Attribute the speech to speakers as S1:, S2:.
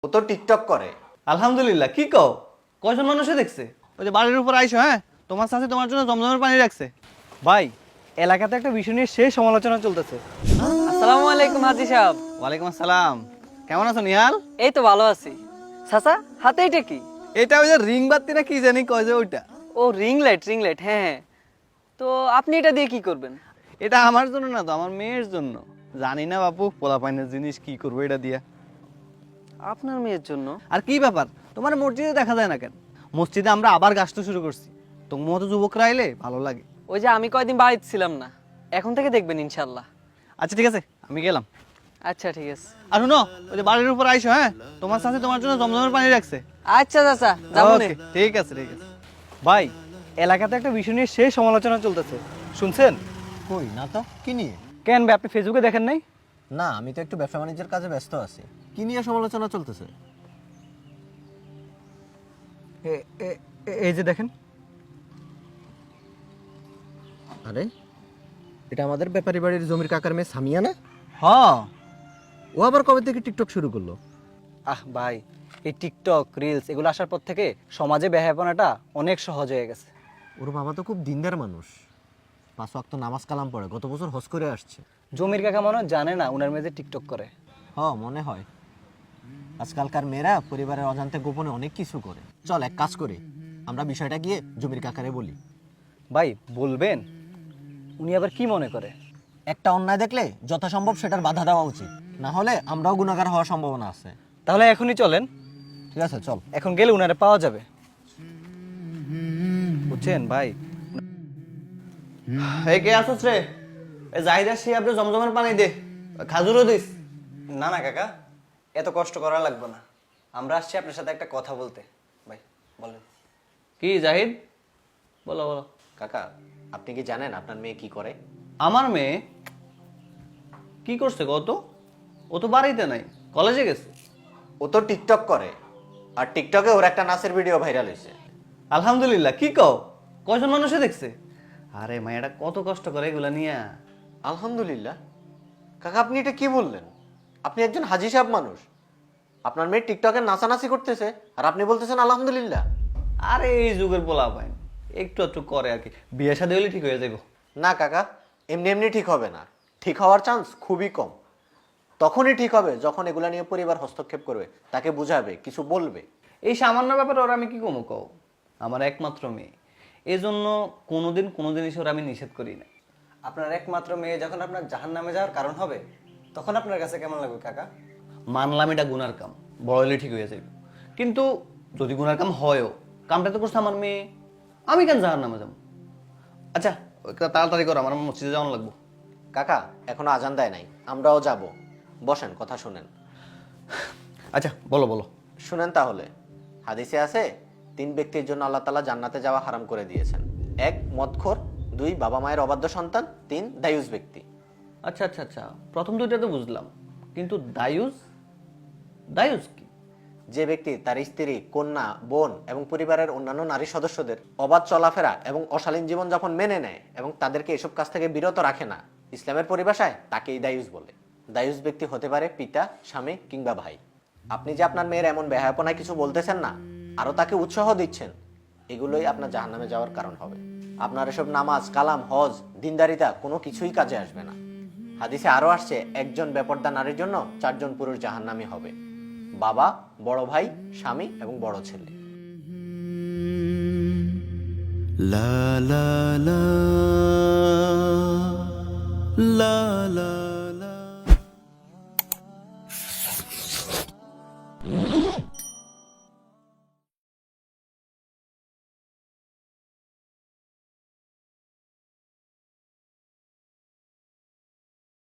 S1: ও তো টিকটক করে।
S2: আলহামদুলিল্লাহ। কি কও? কয়জন মানুষে দেখছে? ওই যে বাড়ির উপর আইসো, হ্যাঁ তোমার সাথে তোমার জন্য জমজমের পানি রাখছে। ভাই, এলাকাতে একটা বিষয় নিয়ে সেই সমালোচনা চলতেছে।
S3: আসসালামু আলাইকুম হাজি সাহেব।
S2: ওয়ালাইকুম আসসালাম। কেমন আছো নিহাল?
S3: এই তো ভালো আছি। চাচা, হাতে এটা কি?
S2: এটা ওই যে রিং বাত্তি না কি জানি কয় যে ওইটা।
S3: ও রিং লাইট, হ্যাঁ হ্যাঁ। তো আপনি এটা দিয়ে কি করবেন?
S2: এটা আমার জন্য না তো, আমার মেয়ের জন্য। জানি না বাপু, পোলাপাইনের জিনিস কি করবো এটা দিয়া।
S3: আপনার মেয়ের জন্য?
S2: আর কি ব্যাপার, তোমার মসজিদে দেখা যায় না কেন? মসজিদে আমরা আবার গাছতে শুরু করছি। তোমার মতো যুবকরা আইলে ভালো লাগে।
S3: ওই যে আমি কয়দিন বাড়িতে ছিলাম না, এখন থেকে দেখবেন ইনশাল্লাহ।
S2: আচ্ছা ঠিক আছে, আমি গেলাম।
S3: আচ্ছা ঠিক আছে।
S2: আর শুনো, ওই যে বাড়ির উপর আইসো, হ্যাঁ তোমার সাথে তোমার জন্য জমজমের পানি রাখছে।
S3: আচ্ছা চাচা, যাবো নে।
S2: Okay, ঠিক আছে ঠিক আছে। ভাই, এলাকাতে একটা বিষয় নিয়ে সেই সমালোচনা চলতেছে, শুনছেন?
S1: কই না তো, কি নিয়ে?
S2: কেন ভাই, আপনি ফেসবুকে দেখেন নাই?
S1: না, আমি তো একটু ব্যবসা বাণিজ্যের কাজে ব্যস্ত আছি। কি নিয়ে সমালোচনা চলতেছে?
S2: এই যে দেখেন।
S1: আরে, এটা আমাদের ব্যাপারী বাড়ির জমির কাকার মেয়ে সামিয়া না?
S2: হ।
S1: ও আবার কবে থেকে টিকটক শুরু করলো?
S2: আহ ভাই, এই টিকটক রিলস এগুলো আসার পর থেকে সমাজে বেহায়াপনাটা অনেক সহজ হয়ে গেছে।
S1: ওর বাবা তো খুব দিনদার মানুষ, 5 ওয়াক্ত নামাজ কালাম পড়ে, গত বছর হজ করে আসছে।
S2: জমির কাকা মনে হয় জানে না উনার মেয়ে যে টিকটক করে।
S1: মনে হয়। আজকালকার মেয়েরা পরিবারের অজান্তে গোপনে অনেক কিছু করে। চল এক কাজ করি, আমরা বিষয়টা গিয়ে জমির কাকারে বলি।
S2: ভাই বলবেন? উনি আবার কি মনে করে?
S1: একটা অন্যায় দেখলে যথাসম্ভব সেটার বাধা দেওয়া উচিত, না হলে আমরাও গুনাহগার হওয়ার সম্ভাবনা আছে।
S2: তাহলে এখনই চলেন।
S1: ঠিক আছে, চল।
S2: এখন গেলে উনারে পাওয়া যাবে, বুঝছেন ভাই? এই কে আসছ রে? এই জাহিদা সে আপনি জমজমের পানি দে, খাজুরও দিস। না না কাকা, এত কষ্ট করা লাগবে না। আমরা আসছি আপনার সাথে একটা কথা বলতে। ভাই বলেন। কি জাহিদ? বলো বলো।
S1: কাকা, আপনি কি জানেন আপনার মেয়ে কি করে?
S2: আমার মেয়ে কি করছে কত? ও তো বাড়িতে নাই, কলেজে গেছে।
S1: ও তো টিকটক করে, আর টিকটকে ওর একটা নাচের ভিডিও ভাইরাল হয়েছে।
S2: আলহামদুলিল্লাহ। কি কও? কয়জন মানুষে দেখছে? আরে মায়েরা কত কষ্ট করে এগুলা নিয়ে।
S1: আলহামদুলিল্লাহ? কাকা, আপনি এটা কি বললেন? আপনি একজন হাজি সাহেব মানুষ, আপনার মেয়ে টিকটকে নাচানাচি করতেছে আর আপনি বলতেছেন আলহামদুলিল্লাহ?
S2: আরে এই যুগের পোলা পাই একটু একটু করে আর কি, বিয়ে শাদী হলে ঠিক হয়ে যাবো।
S1: না কাকা, এমনি এমনি ঠিক হবে না। ঠিক হওয়ার চান্স খুবই কম। তখনই ঠিক হবে যখন এগুলা নিয়ে পরিবার হস্তক্ষেপ করবে, তাকে বুঝাবে, কিছু বলবে।
S2: এই সামান্য ব্যাপারে ওরা আমি কি কমো কও? আমার একমাত্র মেয়ে, এই জন্য কোনোদিন কোনো জিনিস ওরা আমি নিষেধ করি না। আপনার একমাত্র মেয়ে যখন আপনার জাহান্নামে যাওয়ার কারণ হবে, তখন আপনার কাছে কেমন লাগবে কাকা? মানলাম এটা গুনার কাম, বড় হলে ঠিক হয়ে যাবে। কিন্তু যদি গুনার কাম হয়ও, কামটা তো করছে আমার মেয়ে, আমি কেন জাহান্নামে যাবো? আচ্ছা তাড়াতাড়ি করো, আমার মসজিদে যাওয়ানো লাগবো।
S1: কাকা, এখনো আজান দেয় নাই, আমরাও যাব। বসেন, কথা শুনেন।
S2: আচ্ছা বলো বলো।
S1: শুনেন তাহলে। হাদিসে আছে, 3 ব্যক্তির জন্য আল্লাহ তাআলা জান্নাতে যাওয়া হারাম করে দিয়েছেন। 1 মদখোর, 2 বাবা মায়ের অবাধ্য সন্তান, 3 দায়ুস ব্যক্তি।
S2: আচ্ছা আচ্ছা আচ্ছা, প্রথম দুইটা তো বুঝলাম, কিন্তু দায়ুস? দায়ুস কি?
S1: যে ব্যক্তি তার স্ত্রী, কন্যা, বোন এবং পরিবারের অন্যান্য নারী সদস্যদের অবাধ চলাফেরা এবং অশালীন জীবনযাপন মেনে নেয় এবং তাদেরকে এসব কাজ থেকে বিরত রাখে না, ইসলামের পরিভাষায় তাকেই দায়ুস বলে। দায়ুস ব্যক্তি হতে পারে পিতা, স্বামী কিংবা ভাই। আপনি যে আপনার মেয়ের এমন বেহায়াপনায় কিছু বলতেছেন না, আরো তাকে উৎসাহ দিচ্ছেন, এগুলোই আপনার জাহান্নামে যাওয়ার কারণ হবে। আপনার এসব নামাজ, কালাম, হজ, দিনদারিতা কোনো কিছুই কাজে আসবে না। হাদিসে আরো আসছে, একজন বেপরদা নারীর জন্য 4 জন পুরুষ জাহান্নামী হবে: বাবা, বড় ভাই, স্বামী এবং বড় ছেলে।
S4: La la la la la la